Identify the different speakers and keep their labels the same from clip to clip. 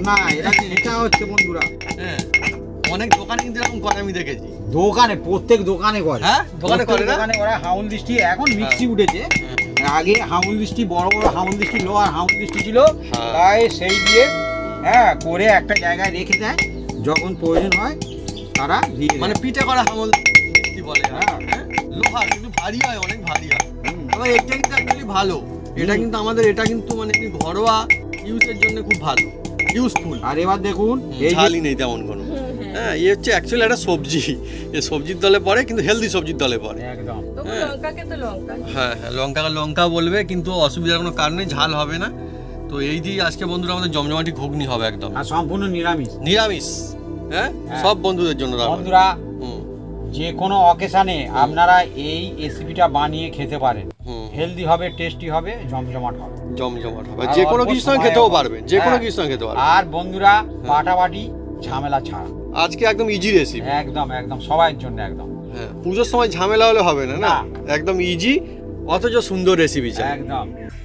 Speaker 1: না, এটা হচ্ছে বন্ধুরা,
Speaker 2: হ্যাঁ অনেক দোকানে কিন্তু এরকম করে আমি দেখেছি।
Speaker 1: দোকানে, প্রত্যেক দোকানে করে।
Speaker 2: হ্যাঁ দোকানে করে না?
Speaker 1: দোকানে ওরা হাউল দৃষ্টি, এখন মিক্সি উঠেছে, আগে হাউল দৃষ্টি বড় বড় হাউল দৃষ্টি লো আর হাউল দৃষ্টি ছিল, তাই সেই দিয়ে হ্যাঁ করে একটা জায়গায় রেখে দেয়, যখন প্রয়োজন হয় তারা দিয়ে
Speaker 2: মানে পিঠে করা হামল কি বলে, হ্যাঁ লোহা কিন্তু ভারী হয়, অনেক ভারী হয়। তবে এটা কিন্তু অ্যাকচুয়ালি ভালো, এটা কিন্তু আমাদের এটা কিন্তু মানে ঘরোয়া ইউজের জন্য খুব ভালো, ইউজফুল।
Speaker 1: আর এবার দেখুন এই
Speaker 2: ঝালই নেই তেমন কোনো, হ্যাঁ এই হচ্ছে অ্যাকচুয়ালি একটা সবজি, এই সবজির দলে পড়ে কিন্তু হেলদি সবজির দলে পড়ে
Speaker 1: একদম।
Speaker 2: হ্যাঁ হ্যাঁ লঙ্কাকে লঙ্কা বলবে কিন্তু অসুবিধার কোনো কারণে ঝাল হবে না। তো এই দিয়ে আজকে বন্ধুরা আমাদের জমজমাটি ঘুগনি হবে একদম,
Speaker 1: আর সম্পূর্ণ নিরামিষ।
Speaker 2: নিরামিষ, হ্যাঁ সব বন্ধুদের জন্য।
Speaker 1: বন্ধুরা যে কোনো অকেশনে আপনারা এই রেসিপিটা বানিয়ে খেতে পারেন, হেলদি হবে, টেস্টি হবে, জমজমাট হবে,
Speaker 2: জমজমাট হবে, যে কোনো কিছুর সঙ্গে খেতেও পারবেন, যে কোনো কিছুর সঙ্গে খেতে পারবেন।
Speaker 1: আর বন্ধুরা পাটাপাটি ঝামেলা ছাড়া
Speaker 2: আজকে একদম ইজি রেসিপি,
Speaker 1: একদম একদম সবার জন্য একদম।
Speaker 2: হ্যাঁ পুজোর সময় ঝামেলা হলে হবে না, না একদম ইজি অথচ সুন্দর রেসিপি চাই
Speaker 1: একদম।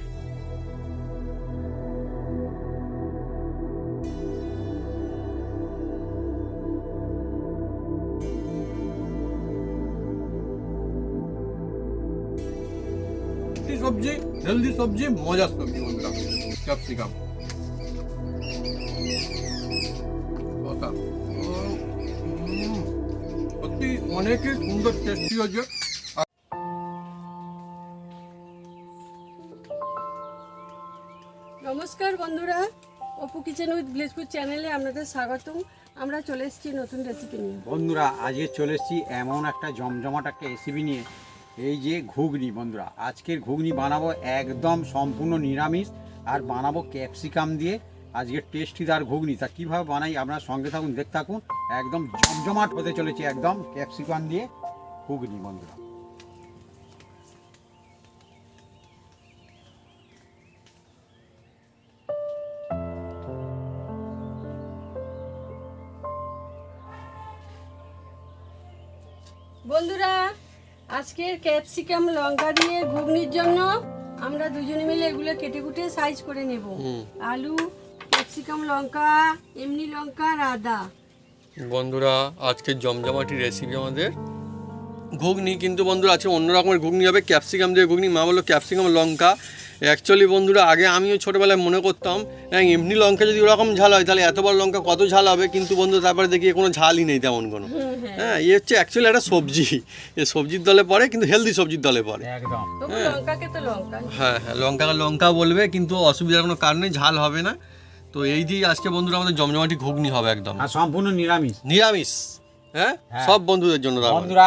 Speaker 2: সবজি, হেলদি সবজি, মজার সবজি বন্ধুরা, ক্যাপসিকাম সত্যি অনেকই সুন্দর টেস্টি হচ্ছে।
Speaker 3: নমস্কার বন্ধুরা, অপু কিচেন উইথ ভিলেজপুর চ্যানেলে আপনাদের স্বাগতম। আমরা চলে এসেছি নতুন রেসিপি নিয়ে।
Speaker 1: বন্ধুরা আজকে চলে এসেছি এমন একটা জমজমাট একটা রেসিপি নিয়ে, এই যে ঘুগনি। বন্ধুরা আজকের ঘুগনি বানাবো একদম সম্পূর্ণ নিরামিষ, আর বানাবো ক্যাপসিকাম দিয়ে আজকের টেস্টিদার ঘুগনি। তা কীভাবে বানাই আপনারা সঙ্গে থাকুন, দেখতে থাকুন, একদম জমজমাট হতে চলেছে একদম ক্যাপসিকাম দিয়ে ঘুগনি। বন্ধুরা
Speaker 3: বন্ধুরা আজকের ক্যাপসিকাম লঙ্কা দিয়ে ঘুগনির জন্য আমরা দুজনে মিলে এগুলো কেটে কুটে সাইজ করে নেব। আলু, ক্যাপসিকাম, লঙ্কা, এমনি লঙ্কা আর আদা।
Speaker 2: বন্ধুরা আজকের জমজমাটি রেসিপি আমাদের ঘুগনি, কিন্তু বন্ধুরা আছে অন্য রকমের ঘুগনি হবে, ক্যাপসিকাম দিয়ে ঘুগনি। মা বললো ক্যাপসিকাম লঙ্কা। অ্যাকচুয়ালি বন্ধুরা আগে আমিও ছোটোবেলায় মনে করতাম এমনি লঙ্কা যদি ওরকম ঝাল হয় তাহলে এত বড় লঙ্কা কত ঝাল হবে, কিন্তু বন্ধু তারপরে দেখি কোনো ঝালই নেই তেমন কোনো। হ্যাঁ এই হচ্ছে অ্যাকচুয়ালি একটা সবজি, এই সবজির দলে পড়ে কিন্তু হেলদি সবজির দলে পড়ে
Speaker 1: একদম।
Speaker 2: হ্যাঁ হ্যাঁ লঙ্কাকে লঙ্কা বলবে কিন্তু অসুবিধার কোনো কারণে ঝাল হবে না। তো এই দিয়ে আজকে বন্ধুরা আমাদের জমজমাটি ঘুগনি হবে একদম,
Speaker 1: আর সম্পূর্ণ নিরামিষ।
Speaker 2: নিরামিষ, হ্যাঁ সব বন্ধুদের জন্য।
Speaker 1: বন্ধুরা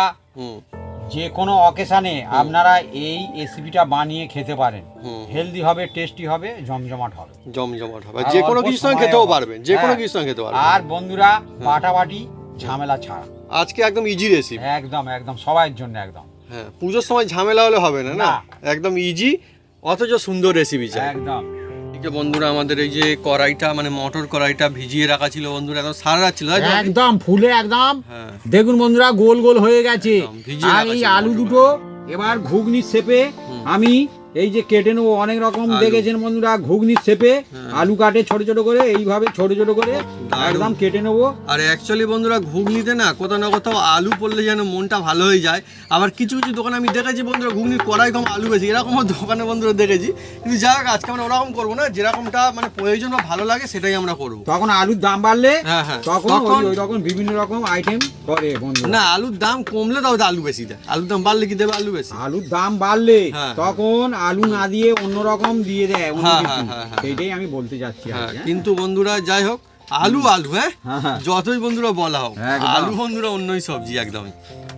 Speaker 1: যে কোনো অকেশনে আপনারা এই রেসিপিটা বানিয়ে খেতে পারেন, হেলদি হবে, টেস্টি হবে, জমজমাট হবে,
Speaker 2: জমজমাট হবে, যে কোনো কিছুর সঙ্গে খেতেও পারবেন, যে কোনো কিছুর সঙ্গে খেতে পারবেন।
Speaker 1: আর বন্ধুরা পাটাপাটি ঝামেলা ছাড়া
Speaker 2: আজকে একদম ইজি রেসিপি,
Speaker 1: একদম একদম সবার জন্য একদম।
Speaker 2: হ্যাঁ পুজোর সময় ঝামেলা হলে হবে না, না একদম ইজি অথচ সুন্দর রেসিপি চাই
Speaker 1: একদম।
Speaker 2: এদিকে বন্ধুরা আমাদের এই যে কড়াইটা মানে মটর কড়াইটা ভিজিয়ে রাখা ছিল বন্ধুরা, একদম সারা রাত ছিল
Speaker 1: একদম ফুলে একদম। দেখুন বন্ধুরা গোল গোল হয়ে গেছে। আর এই আলু দুটো এবার ঘুগনির শেপে আমি এই যে কেটে নেবো। অনেক রকম দেখেছেন বন্ধুরা ঘুগনির শেপে আলু কাটে ছোট ছোট করে, এইভাবে ছোট ছোট করে একদম কেটে নেবো।
Speaker 2: আর অ্যাকচুয়ালি বন্ধুরা ঘুগনিতে না কোথাও না কোথাও আলু পড়লে যেন মনটা ভালো হয়ে যায়। আবার কিছু কিছু দোকানে আমি দেখেছি বন্ধুরা ঘুগনির কড়াই কম আলু বেশি, এরকমও দোকানে বন্ধুরা দেখেছি। কিন্তু যাক আজকে আমরা ওরকম করবো না, যেরকমটা মানে প্রয়োজন বা ভালো লাগে সেটাই আমরা করবো।
Speaker 1: তখন আলুর দাম বাড়লে তখন
Speaker 2: তখন
Speaker 1: ওই রকম বিভিন্ন রকম আইটেম করে বন্ধু।
Speaker 2: না আলুর দাম কমলে তাও আলু বেশি দেয়, আলুর দাম বাড়লে কি দেবে আলু বেশি।
Speaker 1: আলুর দাম বাড়লে তখন আলু না দিয়ে অন্যরকম দিয়ে দেয়, সেইটাই আমি বলতে যাচ্ছি।
Speaker 2: কিন্তু বন্ধুরা যাই হোক আলু আলু হ্যাঁ যতই বন্ধুরা বলা হোক আলু বন্ধুরা অন্যই সবজি একদমই।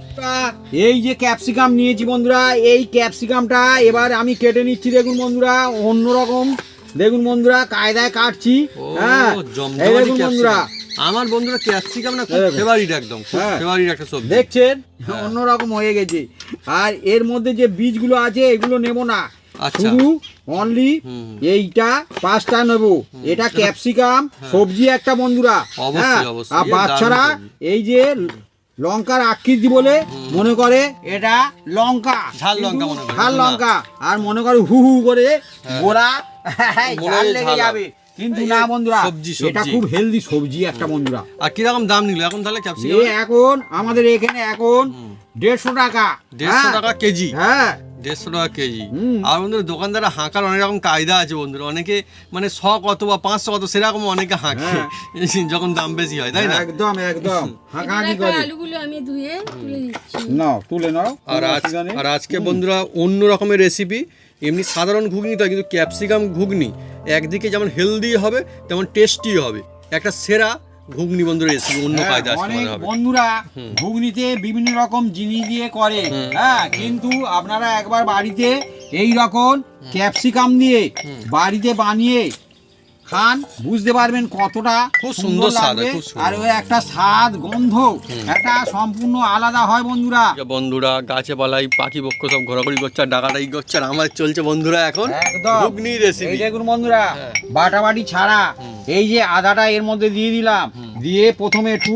Speaker 1: এই যে ক্যাপসিকাম নিয়েছি বন্ধুরা, এই ক্যাপসিকামটা এবার আমি কেটে নিচ্ছি। দেখুন বন্ধুরা অন্যরকম, দেখুন বন্ধুরা কায়দায় কাটছি। হ্যাঁ এই দেখুন বন্ধুরা
Speaker 2: আমার বন্ধুরা ক্যাপসিকাম না খুব ফেভারিট, একদম ফেভারিট একটা সবজি।
Speaker 1: দেখছেন অন্যরকম হয়ে গেছে। আর এর মধ্যে যে বীজগুলো আছে এগুলো নেব না, শুধু অনলি এইটা 5টা নেব। এটা ক্যাপসিকাম সবজি একটা বন্ধুরা। হ্যাঁ আর বাচ্চারা এই যে লঙ্কার আকৃতি বলে মনে করে এটা লঙ্কা,
Speaker 2: ঝাল লঙ্কা মনে করে,
Speaker 1: ঝাল লঙ্কা, আর মনে করে হু হু করে গোড়া ঝাল লেগে যাবে, কিন্তু না বন্ধুরা,
Speaker 2: সবজি,
Speaker 1: এটা
Speaker 2: সবজি।
Speaker 1: খুব হেলদি সবজি একটা বন্ধুরা।
Speaker 2: আর কিরকম দাম নিল এখন তাহলে
Speaker 1: এ
Speaker 2: ক্যাপসিকাম?
Speaker 1: এখন আমাদের এখানে এখন 150 টাকা।
Speaker 2: 150 টাকা কেজি।
Speaker 1: হ্যাঁ
Speaker 2: 150 টাকা কেজি।
Speaker 1: হুম।
Speaker 2: আর বন্ধুরা দোকানদাররা হাঁকার অনেক রকম কায়দা আছে বন্ধুরা, অনেকে মানে 100 কত বা 500 কত সেরকম অনেকে হাঁকে যখন দাম বেশি হয়, তাই না?
Speaker 1: একদম একদম হাঁকাহাঁকি
Speaker 3: এবার
Speaker 1: করে।
Speaker 3: আলুগুলো আমি ধুয়ে তুলে নিচ্ছি।
Speaker 1: নাও তুলে নাও।
Speaker 2: আর
Speaker 1: কোনো
Speaker 2: আজ
Speaker 1: অসুবিধা নেই।
Speaker 2: আর আজকে বন্ধুরা অন্য রকমের রেসিপি। এমনি সাধারণ ঘুগনি তো হয়, কিন্তু ক্যাপসিকাম ঘুগনি একদিকে যেমন হেলদি হবে তেমন টেস্টি হবে, একটা সেরা ঘুগনি বন্ধুরা রেসিপি অন্য
Speaker 1: হ্যাঁ,
Speaker 2: কায়দা আজকে
Speaker 1: অনেক
Speaker 2: মনে হবে।
Speaker 1: বন্ধুরা ঘুগনিতে বিভিন্ন রকম জিনিস দিয়ে করে, হ্যাঁ, কিন্তু আপনারা একবার বাড়িতে এই রকম ক্যাপসিকাম দিয়ে বাড়িতে বানিয়ে খান, বুঝতে পারবেন কতটা
Speaker 2: খুব
Speaker 1: সুন্দর
Speaker 2: সুন্দর স্বাদ,
Speaker 1: লাগবে।
Speaker 2: খুব সুন্দর।
Speaker 1: আর ওই একটা স্বাদ গন্ধ একটা সম্পূর্ণ আলাদা হয় বন্ধুরা।
Speaker 2: বন্ধুরা গাছে পালাই পাখি পক্ষ সব ঘোরাঘুরি করছে আর ডাকাডাকি করছে, আর আমার চলছে বন্ধুরা এখন
Speaker 1: একদম
Speaker 2: ঘুগনি রেসিপি।
Speaker 1: এই দেখুন বন্ধুরা,
Speaker 2: হ্যাঁ।
Speaker 1: বাটাবাটি ছাড়া এই যে আদাটা এর মধ্যে দিয়ে দিলাম, দিয়ে প্রথমে একটু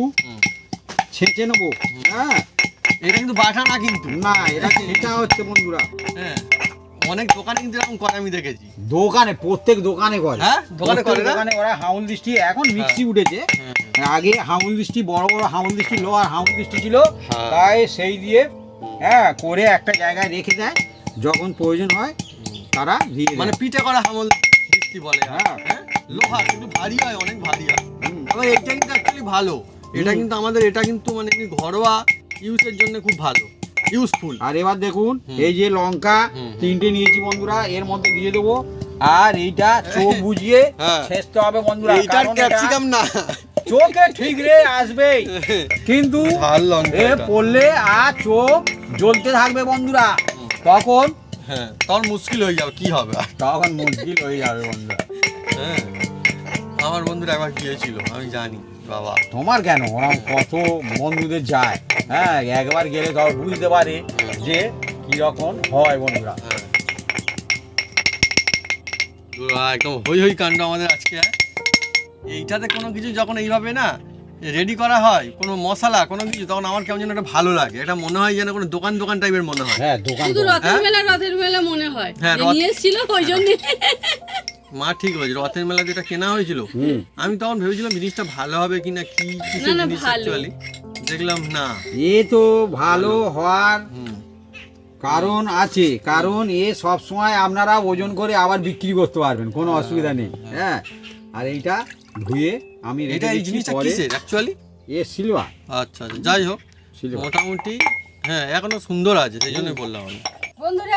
Speaker 1: ছেঁচে নেবো। হ্যাঁ
Speaker 2: এটা কিন্তু বাটা না কিন্তু,
Speaker 1: না, এটা হচ্ছে বন্ধুরা
Speaker 2: হ্যাঁ অনেক দোকানে কিন্তু এরকম করে আমি দেখেছি।
Speaker 1: দোকানে, প্রত্যেক দোকানে করে।
Speaker 2: হ্যাঁ, দোকানে
Speaker 1: প্রত্যেক
Speaker 2: করে না?
Speaker 1: দোকানে ওরা হাউল দৃষ্টি, এখন মিক্সি উঠেছে, আগে হাউল দৃষ্টি বড় বড় হাউল দৃষ্টি, লোহার হাউল দৃষ্টি ছিল,
Speaker 2: হ্যাঁ।
Speaker 1: তাই সেই দিয়ে হ্যাঁ করে একটা জায়গায় রেখে দেয়, যখন প্রয়োজন হয় তারা দিয়ে দেয়।
Speaker 2: মানে পিঠে করা হামল বৃষ্টি বলে,
Speaker 1: হ্যাঁ।
Speaker 2: হ্যাঁ লোহা কিন্তু ভারী হয়, অনেক ভারী হয়।
Speaker 1: হুম।
Speaker 2: আবার এটা কিন্তু অ্যাকচুয়ালি ভালো, এটা কিন্তু আমাদের এটা কিন্তু মানে এমনি ঘরোয়া ইউজের জন্য খুব ভালো, ইউজফুল।
Speaker 1: আর এবার দেখুন এই যে লঙ্কা 3টে নিয়েছি বন্ধুরা, এর মধ্যে দিয়ে দেবো, আর এইটা চোখ বুঝিয়ে
Speaker 2: হ্যাঁ।
Speaker 1: ছেঁচতে হবে বন্ধুরা,
Speaker 2: এইটার
Speaker 1: কারণ এটা
Speaker 2: ক্যাপসিকাম না,
Speaker 1: চোখে ঠিক রে আসবেই, কিন্তু
Speaker 2: ঝাল লঙ্কা
Speaker 1: এ
Speaker 2: এটা।
Speaker 1: পড়লে আর চোখ জ্বলতে থাকবে বন্ধুরা, তখন
Speaker 2: হ্যাঁ তখন মুশকিল হয়ে যাবে, কি হবে আর?
Speaker 1: তখন মুশকিল হয়ে যাবে বন্ধুরা।
Speaker 2: হ্যাঁ আমার বন্ধুরা একবার গিয়েছিল, আমি জানি বাবা।
Speaker 1: তোমার কেন, ওরকম কত বন্ধুদের যায়, হ্যাঁ একবার গেলে তাও বুঝতে পারে যে কিরকম হয় বন্ধুরা।
Speaker 2: হ্যাঁ পুরো একদম হই হই কাণ্ড আমাদের আজকে। এইটাতে কোনো কিছু যখন এইভাবে না রেডি করা হয়, কোনো মশলা কোনো কিছু, তখন আমার কেমন যেন একটা ভালো লাগে, এটা মনে হয় যেন কোনো দোকান দোকান টাইপের মনে হয়।
Speaker 1: হ্যাঁ দোকান
Speaker 3: শুধু রথের মেলা মনে হয়,
Speaker 2: হ্যাঁ,
Speaker 3: যে নিয়ে এসেছিল ওই জন্য।
Speaker 2: মা ঠিক হয়েছে, রথের মেলা যেটা কেনা হয়েছিল, আমি তখন ভেবেছিলাম জিনিসটা ভালো হবে কিনা, কি কিছু
Speaker 3: না,
Speaker 2: জিনিস
Speaker 3: ভালো।
Speaker 2: অ্যাকচুয়ালি দেখলাম না।
Speaker 1: এ তো ভালো হওয়ার
Speaker 2: হুম।
Speaker 1: কারণ আছে, কারণ এ সব সময় আপনারা ওজন করে আবার বিক্রি করতে পারবেন, কোনো অসুবিধা নেই। হ্যাঁ আর এইটা ধুয়ে আমি রেখে
Speaker 2: এটা এই
Speaker 1: দিচ্ছি
Speaker 2: জিনিসটা
Speaker 1: পরে।
Speaker 2: কিসের অ্যাকচুয়ালি?
Speaker 1: এ সিলভার
Speaker 2: আচ্ছা আচ্ছা, যাই হোক
Speaker 1: সিলভার।
Speaker 2: মোটামুটি হ্যাঁ এখনো সুন্দর আছে, সেই জন্যই বললাম আমি।
Speaker 3: বন্ধুরা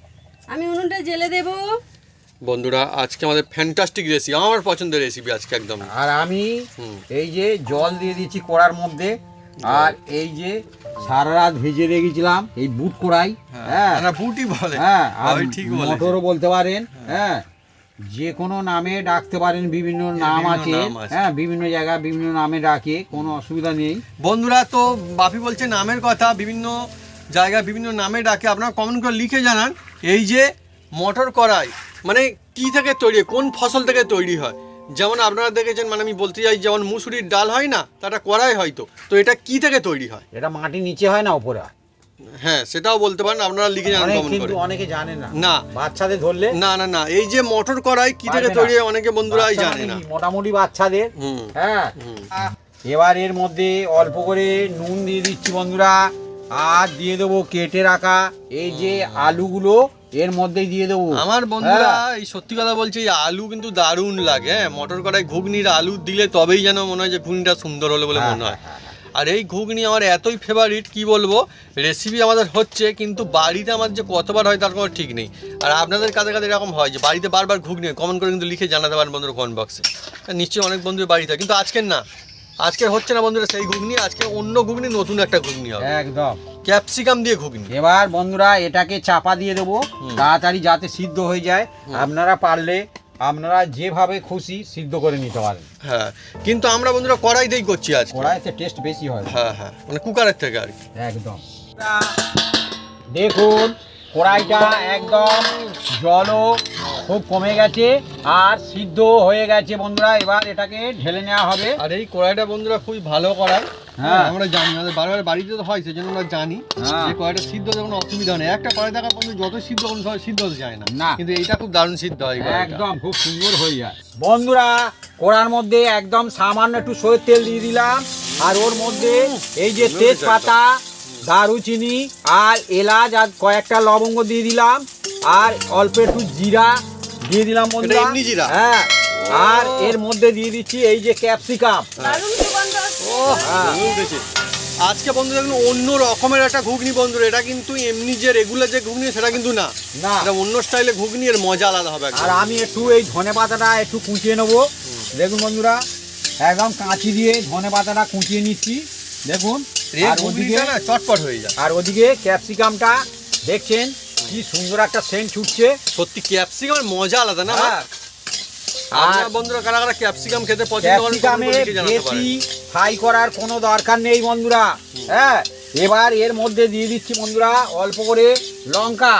Speaker 3: আমি উনুনটা জেলে দেব।
Speaker 2: বন্ধুরা আজকে আমাদের ফ্যান্টাস্টিক রেসিপি, আমার পছন্দের রেসিপি আজকে একদম।
Speaker 1: আর আমি
Speaker 2: হুম।
Speaker 1: এই যে জল দিয়ে দিচ্ছি কড়ার মধ্যে, আর এই যে সারা রাত ভেজে রেখেছিলাম এই বুট কড়াই, হ্যাঁ
Speaker 2: না বুটি বলে,
Speaker 1: হ্যাঁ আর
Speaker 2: ওই ঠিক বলে।
Speaker 1: মটরও বলতে পারেন, হ্যাঁ যে কোনো নামে ডাকতে পারেন, বিভিন্ন নাম
Speaker 2: বিভিন্ন
Speaker 1: আছে,
Speaker 2: নাম আছে।
Speaker 1: হ্যাঁ বিভিন্ন জায়গায় বিভিন্ন নামে ডাকে, কোনো অসুবিধা নেই।
Speaker 2: বন্ধুরা তো বাপি বলছে নামের কথা, বিভিন্ন জায়গায় বিভিন্ন নামে ডাকে, আপনারা কমেন্ট করে লিখে জানান। এই যে মটর কড়াই মানে কি থেকে তৈরি, কোন ফসল থেকে তৈরি হয়? যেমন আপনারা দেখেছেন, মানে আমি বলতে চাই যেমন মুসুরির ডাল হয় না, তাটা কড়াই হয়তো, তো এটা কি থেকে তৈরি হয়?
Speaker 1: এটা মাটির নিচে হয় না, উপরে হয়।
Speaker 2: হ্যাঁ সেটাও বলতে পারেন, আপনারা লিখে জানান কমেন্ট করে।
Speaker 1: কিন্তু অনেকে জানে না,
Speaker 2: না
Speaker 1: বাচ্চাদের ধরলে
Speaker 2: না না না, এই যে মটর কড়াই কি থেকে
Speaker 1: পারবে না।
Speaker 2: তৈরি হয় অনেকে বন্ধুরাই
Speaker 1: বাচ্চা
Speaker 2: জানে
Speaker 1: মানে
Speaker 2: না।
Speaker 1: কি, মোটামুটি বাচ্চাদের,
Speaker 2: হুম
Speaker 1: হ্যাঁ
Speaker 2: হুম।
Speaker 1: এবার এর মধ্যে অল্প করে নুন দিয়ে দিচ্ছি বন্ধুরা, আর দিয়ে দেবো কেটে রাখা এই যে আলুগুলো এর মধ্যেই দিয়ে দেবো।
Speaker 2: আমার বন্ধুরা
Speaker 1: হ্যাঁ।
Speaker 2: এই সত্যি কথা বলছি, এই আলু কিন্তু দারুণ লাগে। হ্যাঁ মটর কড়াই ঘুগনির আলু দিলে তবেই যেন মনে হয় যে ঘুগনিটা সুন্দর হলো বলে মনে হয়। আর এই ঘুগনি আমার এতই ফেভারিট, কি বলবো, রেসিপি আমাদের হচ্ছে কিন্তু বাড়িতে আমার যে কতবার হয় তার কোনো ঠিক নেই। আর আপনাদের কাছে কাছে এরকম হয় যে বাড়িতে বারবার ঘুগনি, কমেন্ট করে কিন্তু লিখে জানাতে পারেন বন্ধুরা কমেন্ট বক্সে। নিশ্চয়ই অনেক বন্ধুর বাড়িতে, কিন্তু আজকের না, আজকের হচ্ছে না বন্ধুরা সেই ঘুগনি, আজকে অন্য ঘুগনি, নতুন একটা ঘুগনি হবে,
Speaker 1: একদম
Speaker 2: ক্যাপসিকাম দিয়ে ঘুগনি।
Speaker 1: এবার বন্ধুরা এটাকে চাপা দিয়ে দেবো তাড়াতাড়ি যাতে সিদ্ধ হয়ে যায়। আপনারা পারলে আপনারা যেভাবে খুশি সিদ্ধ করে নিতে পারেন।
Speaker 2: হ্যাঁ কিন্তু আমরা বন্ধুরা কড়াইতেই করছি আজকে।
Speaker 1: কড়াইতে টেস্ট বেশি হয়।
Speaker 2: হ্যাঁ হ্যাঁ মানে কুকারের থেকে আর কি।
Speaker 1: একদম দেখুন কড়াইটা একদম জলও খুব কমে গেছে আর সিদ্ধ হয়ে গেছে বন্ধুরা, এবার এটাকে ঢেলে নেওয়া হবে।
Speaker 2: আর এই কড়াইটা বন্ধুরা খুবই ভালো কড়াই,
Speaker 1: হ্যাঁ।
Speaker 2: আমরা জানি আমাদের বারবার বাড়িতে তো হয় সেজন্য আমরা জানি
Speaker 1: হ্যাঁ।
Speaker 2: যে কয়টা সিদ্ধ হতে কোনো অসুবিধা নেই। একটা কড়াই থাকা পর্যন্ত যত সিদ্ধ কোনো সময় সিদ্ধ হতে যায় না,
Speaker 1: না।
Speaker 2: কিন্তু এইটা খুব দারুণ সিদ্ধ হয় এই কড়াইটা।
Speaker 1: একদম খুব সুন্দর হয়ে যায় বন্ধুরা। কড়ার মধ্যে একদম সামান্য একটু সরষের তেল দিয়ে দিলাম, আর ওর মধ্যে এই যে তেজপাতা, দারুচিনি আর এলাচ আর কয়েকটা লবঙ্গ দিয়ে দিলাম, আর অল্প একটু জিরা দিয়ে দিলাম বন্ধুরা।
Speaker 2: এমনি জিরা?
Speaker 1: হ্যাঁ। আর এর মধ্যে দিয়ে দিচ্ছি এই যে ক্যাপসিকাম।
Speaker 3: দারুণ সুগন্ধ আসছে।
Speaker 1: হ্যাঁ।
Speaker 2: দারুণ উঠেছে। আজকে বন্ধু দেখুন অন্য রকমের একটা ঘুগনি বন্ধুরা, এটা কিন্তু এমনি যে রেগুলার যে ঘুগনি সেটা কিন্তু না,
Speaker 1: না।
Speaker 2: এটা অন্য স্টাইলে ঘুগনি, এর মজা আলাদা হবে একদম।
Speaker 1: আর আমি একটু এই ধনে পাতাটা একটু কুচিয়ে নেবো। দেখুন বন্ধুরা, একদম কাঁচি দিয়ে ধনে পাতাটা কুচিয়ে নিচ্ছি। দেখুন।
Speaker 2: এই
Speaker 1: আর ওদিকে
Speaker 2: ঘুগনিটা না চটপট হয়ে যায়।
Speaker 1: আর ওদিকে ক্যাপসিকামটা দেখছেন কি সুন্দর একটা সেন্ট ছুটছে।
Speaker 2: সত্যি ক্যাপসিকামের মজা আলাদা না?
Speaker 1: হ্যাঁ।
Speaker 2: আপনারা
Speaker 1: আর
Speaker 2: বন্ধুরা কারা কারা ক্যাপসিকাম খেতে পছন্দ করেন
Speaker 1: ক্যাপসিকামে
Speaker 2: কমেন্ট করে জানাতে
Speaker 1: বেশি
Speaker 2: পারেন।
Speaker 1: ফ্রাই করার কোনো দরকার নেই বন্ধুরা। হ্যাঁ। এবার এর মধ্যে দিয়ে দিচ্ছি বন্ধুরা অল্প করে লঙ্কা,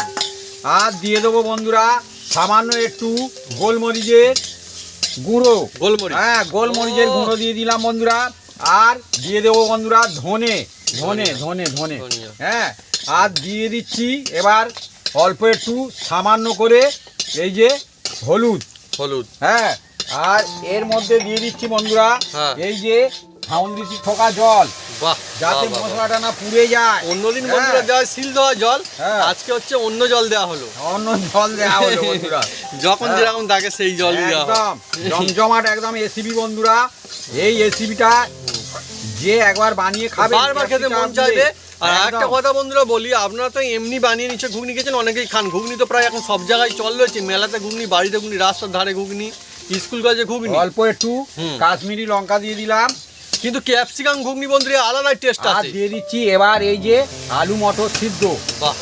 Speaker 1: আর দিয়ে দেবো বন্ধুরা সামান্য একটু গোলমরিচের গুঁড়ো।
Speaker 2: গোলমরিচ।
Speaker 1: হ্যাঁ, গোলমরিচের গুঁড়ো দিয়ে দিলাম বন্ধুরা। আর দিয়ে দেবো বন্ধুরা ধনে ধনে ধনে ধনে
Speaker 2: ধনিয়া।
Speaker 1: হ্যাঁ। আর দিয়ে দিচ্ছি এবার অল্প একটু সামান্য করে এই যে হলুদ।
Speaker 2: হলুদ।
Speaker 1: হ্যাঁ। আর এর মধ্যে দিয়ে দিচ্ছি বন্ধুরা
Speaker 2: হ্যাঁ।
Speaker 1: এই যে ফাউন্ডিসি ঠোকা জল,
Speaker 2: বাহ,
Speaker 1: যাতে
Speaker 2: বাহ, বাহ, বাহ।
Speaker 1: মশলাটা না পুড়ে যায়।
Speaker 2: অন্যদিন
Speaker 1: হ্যাঁ।
Speaker 2: বন্ধুরা দেওয়া সিল দেওয়া জল,
Speaker 1: হ্যাঁ।
Speaker 2: আজকে হচ্ছে অন্য জল দেওয়া হলো।
Speaker 1: অন্য জল দেওয়া হলো বন্ধুরা।
Speaker 2: যখন
Speaker 1: হ্যাঁ।
Speaker 2: যেরকম থাকে সেই জল দেওয়া হয়।
Speaker 1: একদম জমজমাট একদম এসিবি বন্ধুরা। এই রেসিপিটা যে একবার বানিয়ে খাবে
Speaker 2: বারবার খেতে মন চাইবে। আর একটা কথা বন্ধুরা বলি, আপনারা তো এমনি বানিয়ে নিচ্ছে ঘুগনি খেয়েছেন, অনেকেই খান ঘুগনি, তো প্রায় এখন সব জায়গায় চল রয়েছে, মেলাতে ঘুগনি, বাড়িতে ঘুগনি, রাস্তার ধারে ঘুগনি, স্কুল কলেজে ঘুগনি।
Speaker 1: অল্প একটু
Speaker 2: হুম।
Speaker 1: কাশ্মীরি লঙ্কা দিয়ে দিলাম,
Speaker 2: কিন্তু ক্যাপসিকাম ঘুগনি বন্ধুরা আলাদাই টেস্ট
Speaker 1: আর
Speaker 2: আছে।
Speaker 1: দিয়ে দিচ্ছি এবার এই যে আলু মটর সিদ্ধ।
Speaker 2: বাহ,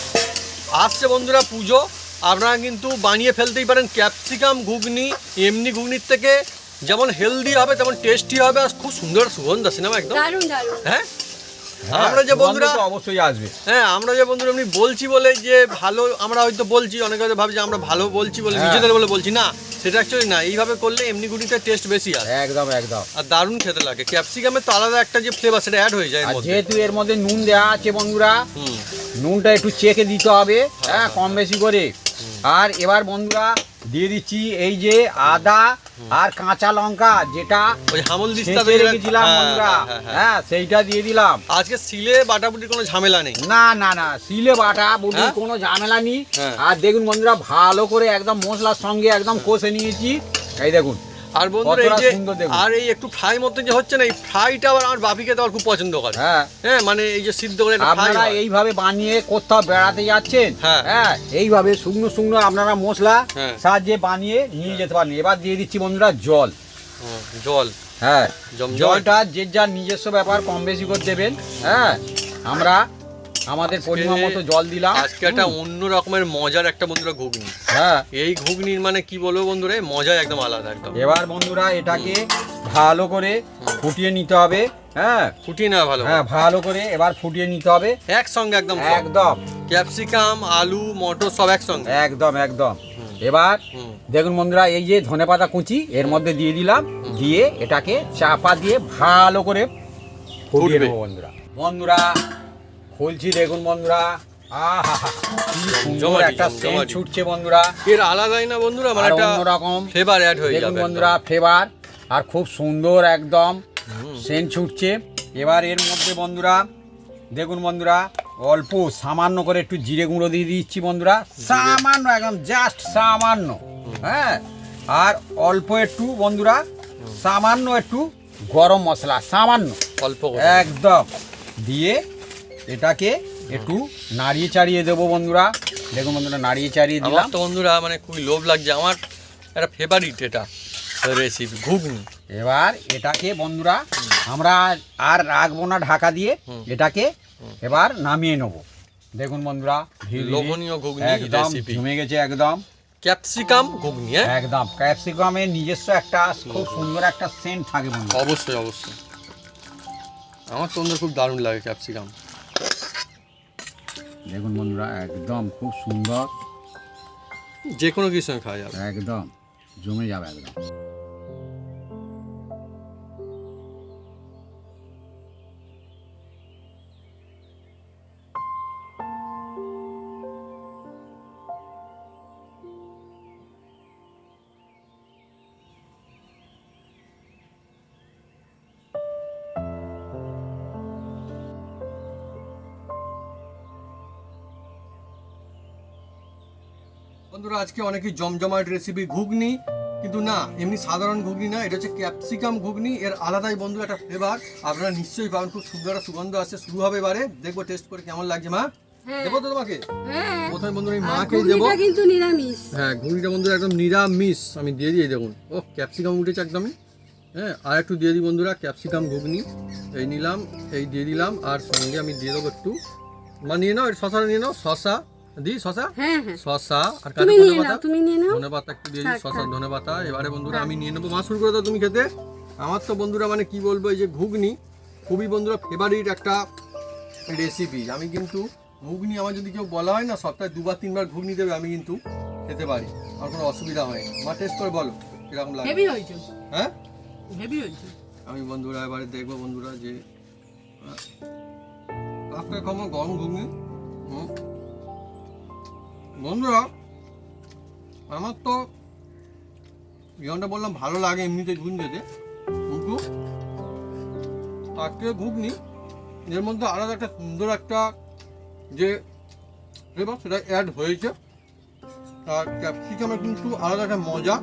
Speaker 2: আসছে বন্ধুরা পুজো, আপনারা কিন্তু বানিয়ে ফেলতেই পারেন ক্যাপসিকাম ঘুগনি। এমনি ঘুগনির থেকে যেমন হেলদি হবে তেমন টেস্টি হবে, আর খুব সুন্দর সুগন্ধ আছে না একদম।
Speaker 3: দারুণ দারুণ।
Speaker 2: হ্যাঁ,
Speaker 1: হ্যাঁ,
Speaker 2: আমরা যে বন্ধুরা
Speaker 1: সুগন্ধ তো অবশ্যই আসবে।
Speaker 2: হ্যাঁ আমরা যে বন্ধুরা এমনি বলছি বলে যে ভালো, আমরা হয়তো বলছি, অনেকে হয়তো ভাবছে আমরা ভালো বলছি বলে
Speaker 1: হ্যাঁ।
Speaker 2: নিজেদের বলে বলছি, না সেটা অ্যাকচুয়ালি না। এইভাবে করলে এমনি ঘুগনিতে টেস্ট বেশি আসে
Speaker 1: একদম একদম।
Speaker 2: আর দারুণ খেতে লাগে। ক্যাপসিকামের তো আলাদা একটা যে ফ্লেভার সেটা অ্যাড হয়ে যায় এর
Speaker 1: আর
Speaker 2: মধ্যে।
Speaker 1: যেহেতু এর মধ্যে নুন দেওয়া আছে বন্ধুরা,
Speaker 2: হুম।
Speaker 1: নুনটা একটু চেখে দিতে হবে। হ্যাঁ, কম বেশি করে। আর এবার বন্ধুরা দিয়ে দিচ্ছি এই যে আদা আর কাঁচা লঙ্কা, যেটা
Speaker 2: ওই হামল দিস্তা
Speaker 1: ছেঁচে রেখেছিলাম বন্ধুরা। হ্যাঁ, সেইটা দিয়ে দিলাম।
Speaker 2: আজকে সিলে বাটাবুটির কোনো ঝামেলা নেই।
Speaker 1: না না না, সিলে বাটা বুটির
Speaker 2: হ্যাঁ?
Speaker 1: কোনো ঝামেলা নেই।
Speaker 2: হ্যাঁ।
Speaker 1: আর দেখুন বন্ধুরা, ভালো করে একদম মশলার সঙ্গে একদম কষে নিয়েছি। এই দেখুন
Speaker 2: আর বন্ধুরা এই
Speaker 1: কতটা
Speaker 2: যে
Speaker 1: সুন্দর দেখুন।
Speaker 2: আর এই একটু ফ্রাই মতো যে হচ্ছে না, এই ফ্রাইটা আবার আমার বাপিকে তো খুব পছন্দ করে।
Speaker 1: হ্যাঁ,
Speaker 2: হ্যাঁ, মানে এই যে সিদ্ধ করে একটা ফ্রাই
Speaker 1: আপনারা এইভাবে বানিয়ে কোথাও বেড়াতে যাচ্ছেন,
Speaker 2: হ্যাঁ।
Speaker 1: হ্যাঁ, এইভাবে শুকনো শুকনো আপনারা মশলা
Speaker 2: হ্যাঁ।
Speaker 1: সাহায্যে বানিয়ে নিয়ে যেতে পারেন। এবার দিয়ে দিচ্ছি বন্ধুরা জল।
Speaker 2: জল।
Speaker 1: হ্যাঁ,
Speaker 2: জমজমাট।
Speaker 1: জলটা যে যার নিজস্ব ব্যাপার, কম বেশি করে দেবেন। হ্যাঁ, আমরা আমাদের পরিমাণ মতো জল দিলাম।
Speaker 2: আজকে একটা অন্য রকমের মজার একটা বন্ধুরা ঘুগনি।
Speaker 1: হ্যাঁ,
Speaker 2: এই ঘুগনির মানে কি বলবো বন্ধুরা, এই মজা একদম আলাদা একদম।
Speaker 1: এবার বন্ধুরা এটাকে ভালো করে ফুটিয়ে নিতে হবে। হ্যাঁ
Speaker 2: ফুটিয়ে না ভালো।
Speaker 1: হ্যাঁ, ভালো করে এবার ফুটিয়ে নিতে হবে
Speaker 2: একসঙ্গে একদম সব।
Speaker 1: একদম
Speaker 2: ক্যাপসিকাম, আলু, মটর সব একসঙ্গে।
Speaker 1: একদম একদম। এবার
Speaker 2: হুম।
Speaker 1: দেখুন বন্ধুরা, এই যে ধনেপাতা কুচি এর মধ্যে দিয়ে দিলাম, দিয়ে এটাকে চাপা দিয়ে ভালো করে ফুটিয়ে
Speaker 2: ফুটবে।
Speaker 1: নেবো বন্ধুরা। বন্ধুরা খুলছি, দেখুন বন্ধুরা, আহা কি সুন্দর
Speaker 2: জমাটি,
Speaker 1: একটা
Speaker 2: জমাটি।
Speaker 1: সেন্ট ছুটছে বন্ধুরা।
Speaker 2: এর আলাদাই না বন্ধুরা, মানে
Speaker 1: আর
Speaker 2: একটা
Speaker 1: অন্যরকম
Speaker 2: ফ্লেভার অ্যাড হয়ে
Speaker 1: দেখুন
Speaker 2: যাবে
Speaker 1: বন্ধুরা ফ্লেভার, আর খুব সুন্দর একদম সেন্ট ছুটছে। এবার এর মধ্যে বন্ধুরা দেখুন বন্ধুরা, অল্প সামান্য করে একটু জিরে গুঁড়ো দিয়ে দিচ্ছি বন্ধুরা, সামান্য একদম জাস্ট সামান্য। হ্যাঁ, আর অল্প একটু বন্ধুরা সামান্য একটু গরম মশলা, সামান্য
Speaker 2: অল্প করে।
Speaker 1: একদম দিয়ে এটাকে একটু নাড়িয়ে চাড়িয়ে দেবো বন্ধুরা। দেখুন বন্ধুরা, নাড়িয়ে চাড়িয়ে
Speaker 2: আমার
Speaker 1: দিলাম।
Speaker 2: তো বন্ধুরা মানে খুবই লোভ লাগছে, আমার একটা ফেভারিট এটা রেসিপি ঘুগনি।
Speaker 1: এবার এটাকে বন্ধুরা আমরা আর রাখবো না ঢাকা দিয়ে, এটাকে এবার নামিয়ে নেবো। দেখুন বন্ধুরা, ধীরে ধীরে
Speaker 2: লোভনীয় ঘুগনি
Speaker 1: একদম
Speaker 2: রেসিপি।
Speaker 1: জমে গেছে একদম।
Speaker 2: ক্যাপসিকাম ঘুগনি। হ্যাঁ,
Speaker 1: একদম ক্যাপসিকামের নিজস্ব একটা খুব সুন্দর একটা সেন্ট থাকে বন্ধুরা।
Speaker 2: অবশ্যই অবশ্যই। আমার তো বন্ধুরা খুব দারুণ লাগে ক্যাপসিকাম।
Speaker 1: দেখুন বন্ধুরা, একদম খুব সুন্দর,
Speaker 2: যে কোনো কিছুর সঙ্গে খাওয়া যাবে।
Speaker 1: একদম জমে যাবে একদম।
Speaker 2: বন্ধুরা আজকে অনেকেই জমজমাট রেসিপি ঘুগনি, কিন্তু না এমনি সাধারণ ঘুগনি না, এটা হচ্ছে ক্যাপসিকাম ঘুগনি। এর আলাদাই বন্ধু একটা ফ্লেভার আপনারা নিশ্চয়ই পাবেন। খুব সুন্দর একটা সুগন্ধ আসছে, শুরু হবে এবারে। দেখবো টেস্ট করে কেমন লাগছে। মা দেবো তো তোমাকে? প্রথমে বন্ধুরা আমি মাকে দেবো।
Speaker 3: কিন্তু নিরামিষ।
Speaker 2: হ্যাঁ ঘুগনিটা বন্ধুরা একদম নিরামিষ, আমি দিয়ে দিই। দেখুন ও ক্যাপসিকাম উঠেছে একদমই। হ্যাঁ আর একটু দিয়ে দিই বন্ধুরা ক্যাপসিকাম ঘুগনি, এই নিলাম, এই দিয়ে দিলাম। আর সঙ্গে আমি দিয়ে দেবো একটু, মা নিয়ে নাও, শশাটা নিয়ে নাও, শশা দিই, শশা শশা আর ধনে পাতা একটু দিয়ে দিই, শশা ধনে পাতা। এবারে বন্ধুরা আমি নিয়ে নেবো। মা শুরু করে দাও তুমি খেতে। আমার তো বন্ধুরা মানে কি বলবো, এই যে ঘুগনি খুবই বন্ধুরা ফেভারিট একটা রেসিপি। আমি কিন্তু ঘুগনি আমার যদি কেউ বলা হয় না সপ্তাহে 2-3 বার ঘুগনি দেবে, আমি কিন্তু খেতে পারি, আমার কোনো অসুবিধা হয় না। মা টেস্ট করে বলো কিরকম লাগে। হ্যাঁ
Speaker 3: হেভি হয়েছে।
Speaker 2: আমি বন্ধুরা এবারে দেখবো বন্ধুরা যে আপনার খাবো গরম ঘুগনি। বন্ধুরা আমার তো যেমনটা বললাম ভালো লাগে এমনিতে ঘুগনি খেতে, কিন্তু আজকে ঘুগনি এর মধ্যে আলাদা একটা সুন্দর একটা যে ফ্লেভার সেটা অ্যাড হয়েছে। আর ক্যাপসিকামের কিন্তু আলাদা একটা মজা,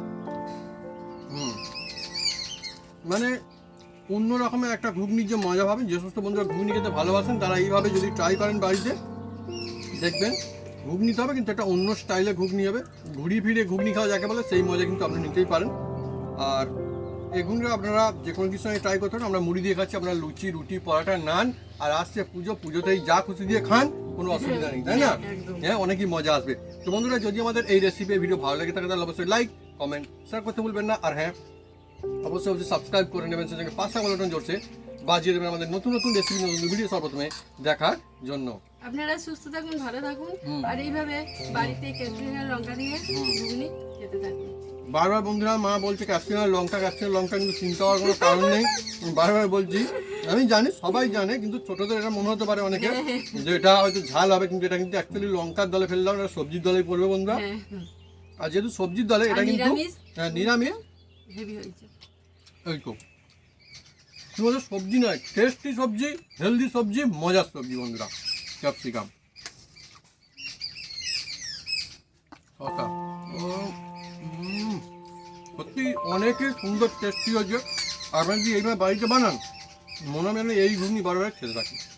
Speaker 2: মানে অন্য রকমের একটা ঘুগনির যে মজা পাবেন। যে সমস্ত বন্ধুরা ঘুগনি খেতে ভালোবাসেন তারা এইভাবে যদি ট্রাই করেন বাড়িতে, দেখবেন ঘুগনি তো হবে কিন্তু একটা অন্য স্টাইলে ঘুগনি হবে। ঘুরিয়ে ফিরে ঘুগনি খাওয়া যাকে বলে সেই মজা কিন্তু আপনারা নিতেই পারেন। আর এই ঘুগনিটা আপনারা যে কোনো কিছুর সঙ্গে ট্রাই করতে পারেন। আমরা মুড়ি দিয়ে খাচ্ছি, আপনারা লুচি, রুটি, পরোটা, নান। আর আসছে পুজো, পুজোতেই যা খুশি দিয়ে খান, কোনো অসুবিধা নেই, তাই না? হ্যাঁ অনেকই মজা আসবে। তো বন্ধুরা যদি আমাদের এই রেসিপি ভিডিও ভালো লাগে থাকে তাহলে অবশ্যই লাইক, কমেন্ট, শেয়ার করতে ভুলবেন না। আর হ্যাঁ অবশ্যই সাবস্ক্রাইব করে নেবেন, সেই সঙ্গে পাশে বাটন জোরছে বাজিয়ে দেবেন আমাদের নতুন নতুন রেসিপি, নতুন ভিডিও সর্বপ্রথমে দেখার জন্য।
Speaker 3: আপনারা সুস্থ থাকুন, ভালো থাকুন, আর এইভাবে বাড়িতে ক্যাপসিকাম লঙ্কা দিয়ে ঘুগনি খেতে থাকুন।
Speaker 2: বারবার বন্ধুরা মা বলছে ক্যাপসিকাম লঙ্কা, ক্যাপসিকাম লঙ্কা, কিন্তু চিন্তা হওয়ার কোনো কারণ নেই। বারবার বলছি, আমি জানি সবাই জানে, কিন্তু ছোটদের এটা মনে হতে পারে অনেকে যে এটা হয়তো ঝাল হবে, কিন্তু এটা কিন্তু অ্যাকচুয়ালি লঙ্কার দলে ফেললাম, এটা সবজির দলেই পড়বে বন্ধুরা। আর যেহেতু সবজির দলে এটা কিন্তু নিরামিষ
Speaker 3: হেভি হয়েছে।
Speaker 2: এই তো শুধু সবজি নয়, টেস্টি সবজি, হেলদি সবজি, মজার সবজি বন্ধুরা ক্যাপসিকাম। সত্যি অনেকই সুন্দর টেস্টি হয়েছে। আপনারা যদি এইভাবে বাড়িতে বানান, মনে হয় এই ঘুগনি বারবার খেতে থাকি।